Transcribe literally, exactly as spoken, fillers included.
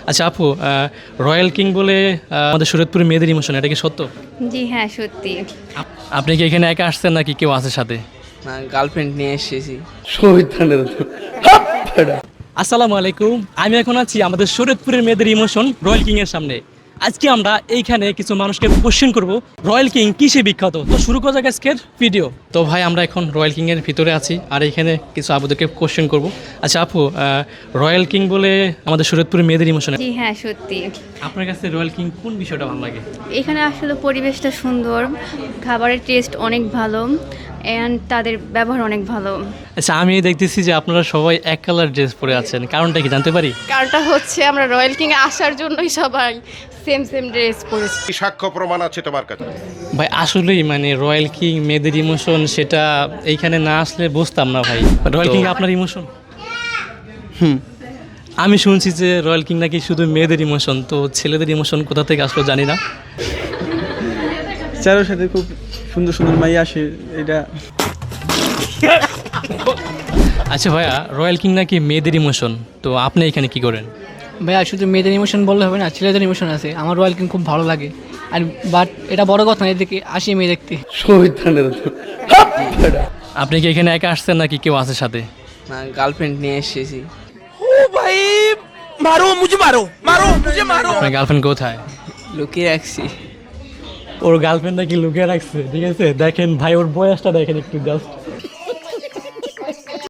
আচ্ছা আপু, royal king বলে আহ, আমাদের শরীয়তপুরে মেয়েদের ইমোশন, এটা কি সত্য? জি হ্যাঁ সত্যি। আপ- আপনি কি এখানে একা আসছেন নাকি কেউ আছে সাথে? না, গার্লফ্রেন্ড নিয়ে এসেছি। আসসালামু আলাইকুম, আমি এখন আছি আমাদের শরীয়তপুরের মেয়েদের ইমোশন রয়্যাল কিং এর সামনে। আজকে আমরা এইখানে কিছু মানুষকে কোশ্চেন করব রয়্যাল কিং কিসে বিখ্যাত। তো শুরু করা যাক আজকের ভিডিও। তো ভাই, আমরা এখন রয়্যাল কিং এর ভিতরে আছি আর এখানে কিছু আপুদেরকে কোশ্চেন করব। আচ্ছা আপু, রয়্যাল কিং বলে আমাদের শরীয়তপুরের মেয়েদের ইমোশন, জি হ্যাঁ সত্যি। আপনার কাছে রয়্যাল কিং কোন বিষয়টা ভালো লাগে? এখানে আসলে পরিবেশটা সুন্দর, খাবারের টেস্ট অনেক ভালো অ্যান্ড তাদের ব্যবহার অনেক ভালো। আচ্ছা, আমি দেখতেছি যে আপনারা সবাই এক কালার ড্রেস পরে আছেন, কারণটা কি জানতে পারি? কারণটা হচ্ছে আমরা রয়্যাল কিংয়ে আসার জন্যই সবাই সেম সেম ড্রেস পরেছি। কি সাক্ষ্য প্রমাণ আছে তোমার কাছে? ভাই আসলেই মানে রয়্যাল কিং মেয়েদের ইমোশন, সেটা এইখানে না আসলে বুঝতাম না ভাই। রয়্যাল কিং আপনার ইমোশন? হুম, আমি শুনছি যে রয়্যাল কিং নাকি শুধু মেয়েদের ইমোশন, তো ছেলেদের ইমোশন কোথা থেকে আসলো জানি না। চারোর সাথে খুব সুন্দর সুন্দর মাই আসে এটা। আচ্ছা ভাইয়া, রয়্যাল কিং নাকি মেয়েদের ইমোশন, তো আপনি এখানে কি করেন? ভাইয়া শুধু মেয়েদের ইমোশন বললে হবে না, ছেলেদের ইমোশন আছে। আমার রয়্যাল কিং খুব ভালো লাগে, আর বাট এটা বড় কথা না, এদিকে আসি মেয়ে দেখতে। আপনি কি এখানে একা আসছেন নাকি কেউ আছে সাথে? না, গার্লফ্রেন্ড নিয়ে এসেছি। আপনার গার্লফ্রেন্ড কোথায়? লুকিয়ে রাখছি। ওর গার্লফ্রেন্ড নাকি লুকিয়ে রাখছে, ঠিক আছে? দেখেন ভাই, ওর বয়সটা দেখেন একটু জাস্ট।